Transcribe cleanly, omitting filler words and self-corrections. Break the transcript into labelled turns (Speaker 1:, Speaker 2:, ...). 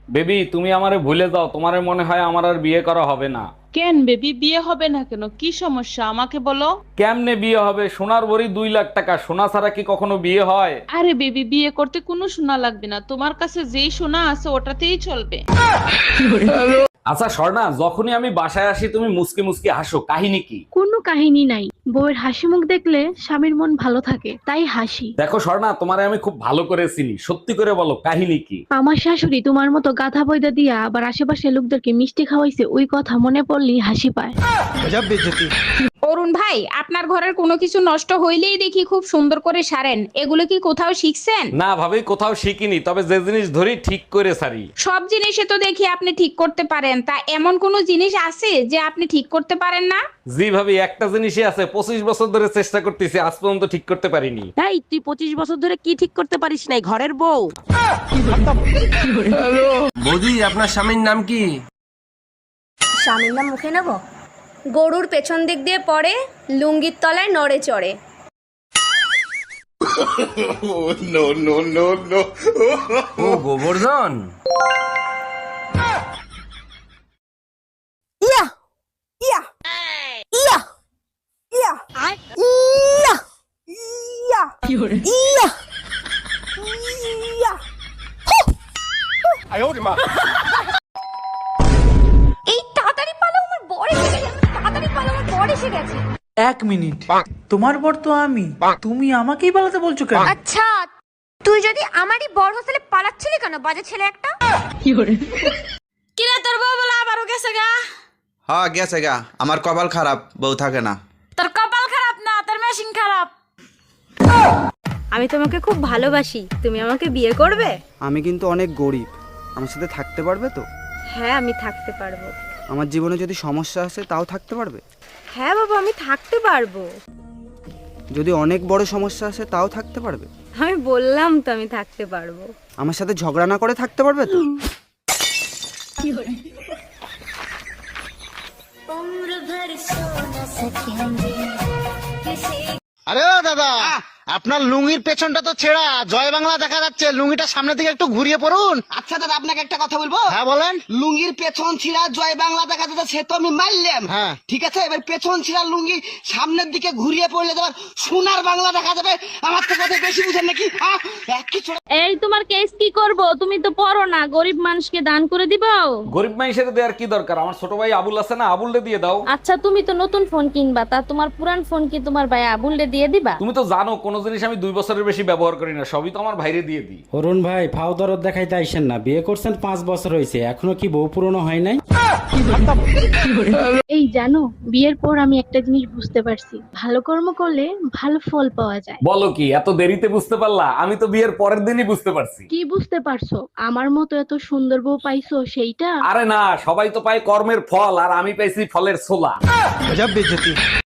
Speaker 1: Baby তুমি আমারে ভুলে যাও, তোমারে মনে হয় আমার আর বিয়ে করা হবে না।
Speaker 2: কেন বেবি, বিয়ে হবে না কেন? কি সমস্যা আমাকে বলো।
Speaker 1: কেমনে বিয়ে হবে? সোনার ভরি 2 লাখ টাকা, সোনা ছাড়া কি কখনো বিয়ে হয়?
Speaker 2: আরে বেবি, বিয়ে করতে কোনো সোনা লাগবে না, তোমার কাছে যেই সোনা আছে ওটাতেই চলবে।
Speaker 1: আচ্ছা স্বর্ণা, যখনই আমি বাসায় আসি তুমি মুসকি মুসকি হাসো, কাহিনী কি?
Speaker 3: কোনো কাহিনী নাই, বউয়ের হাসি মুখ দেখলে স্বামীর মন ভালো থাকে তাই হাসি।
Speaker 1: দেখো স্বর্ণা, তোমারে আমি খুব ভালো করে চিনি, সত্যি করে বলো কাহিনী কি?
Speaker 3: আমার শাশুড়ি তোমার মতো গাধা বইদা দিয়া আবার আশেপাশে লোকদেরকে মিষ্টি খাওয়াইছে, ওই কথা মনে পড়লেই হাসি পায়।
Speaker 4: অরুণ ভাই, আপনার ঘরের কোনো কিছু নষ্ট হইলেই দেখি খুব সুন্দর করে সারেন, এগুলো কি কোথাও শিখছেন?
Speaker 1: না ভাবি, কোথাও শিখিনি, তবে যে জিনিস ধরি ঠিক করে সারি।
Speaker 4: সব জিনিসে তো দেখি আপনি ঠিক করতে পারেন, তা এমন কোন জিনিস আছে যে আপনি ঠিক করতে পারেন না?
Speaker 1: জি ভাবি, একটা জিনিসই আছে, 25 বছর ধরে চেষ্টা করতেছি, আজ পর্যন্ত ঠিক করতে পারিনি।
Speaker 5: এই তুই 25 বছর ধরে কি ঠিক করতে পারিস নাই ঘরের বউ?
Speaker 6: বৌদি, আপনার স্বামীর নাম কি?
Speaker 7: স্বামীর নাম মুখে নেব? গরুর পেছন দিক দিয়ে পড়ে, লুঙ্গির তলায় নড়ে চড়ে।
Speaker 6: ও গোবর্ধন।
Speaker 5: ইয়া ইয়া ইয়া ইয়া ইয়া ইয়া ইয়া ইয়া।
Speaker 7: এই তাড়াতাড়ি পালাও, আমার বর এসে গেছে, তাড়াতাড়ি পালাও, আমার বর এসে গেছে।
Speaker 8: 1 মিনিট, তোমার বর তো আমি, তুমি আমাকেই পালাতে বলছো কেন?
Speaker 7: আচ্ছা, তুই যদি আমারই বর হোস্টেলে পালাচ্ছিলি কেন, বাজে ছেলে একটা?
Speaker 4: কিরে তোর বউ বলে আবারও গেছে গা?
Speaker 9: হ্যাঁ গেছে গা, আমার কপাল খারাপ, বউ থাকে না।
Speaker 4: তোর কপাল খারাপ না, তোর মেশিন খারাপ।
Speaker 7: আমি তোমাকে খুব ভালোবাসি, তুমি আমাকে বিয়ে করবে?
Speaker 10: আমি কিন্তু অনেক গরিব, আমার সাথে থাকতে পারবে তো?
Speaker 7: হ্যাঁ, আমি থাকতে পারবো।
Speaker 10: আমার জীবনে যদি সমস্যা আসে তাও থাকতে পারবে?
Speaker 7: হ্যাঁ বাবা, আমি থাকতে পারবো।
Speaker 10: যদি অনেক বড় সমস্যা আসে তাও থাকতে পারবে?
Speaker 7: আমি বললাম তো আমি থাকতে পারবো।
Speaker 10: আমার সাথে ঝগড়া না করে থাকতে পারবে তো?
Speaker 11: আরে ও দাদা, আপনার লুঙ্গির পেছনটা তো ছেঁড়া, জয় বাংলা দেখা যাচ্ছে, লুঙ্গিটা সামনের দিকে একটু ঘুরিয়ে পড়ুন।
Speaker 12: আচ্ছা দাদা, আপনাকে একটা কথা বলবো?
Speaker 11: হ্যাঁ বলেন।
Speaker 12: লুঙ্গির পেছন ছিঁড়া জয় বাংলা দেখা যাচ্ছে, সে তো আমি মারলাম।
Speaker 11: হ্যাঁ
Speaker 12: ঠিক আছে, এবার পেছন ছিঁড়া লুঙ্গি সামনের দিকে ঘুরিয়ে পড়লে তোমার সোনার বাংলা দেখা যাবে। আমার তো কথা বেশি বুঝেন নাকি? কিছু
Speaker 3: এই তোমার কেস কি করব? তুমি তো পড়ো না, গরিব মানুষকে দান করে দিবাও।
Speaker 1: গরিব মানুষের দেওয়ার কি দরকার? আমার ছোট ভাই আবুল আছে না, আবুলরে দিয়ে দাও।
Speaker 3: আচ্ছা, তুমি তো নতুন ফোন কিনবা, তা তোমার পুরান ফোন কি তোমার ভাই আবুলরে দিয়ে দিবা?
Speaker 1: তুমি তো জানো কোন জিনিস আমি 2 বছরের বেশি ব্যবহার করি না, সবই তো আমার ভাইরে দিয়ে দিই।
Speaker 13: অরুণ ভাই, ফাও দরদ দেখাইতে আইসেন না, বিয়ে করছেন 5 বছর হয়েছে, এখনো কি বউ পুরনো হয় নাই?
Speaker 3: এই জানো, বিয়ের পর আমি একটা জিনিস বুঝতে পারছি, ভালো কর্ম করলে ভালো ফল পাওয়া যায়।
Speaker 1: বলো কি, এত দেরিতে বুঝতে পারলা? আমি তো বিয়ের পরের দিনই বুঝতে পারছি।
Speaker 3: কি বুঝতে পারছো? আমার মতো এত সুন্দর বউ পাইছো সেইটা?
Speaker 1: আরে না, সবাই তো পায় কর্মের ফল, আর আমি পাইছি ফলের ছোলা।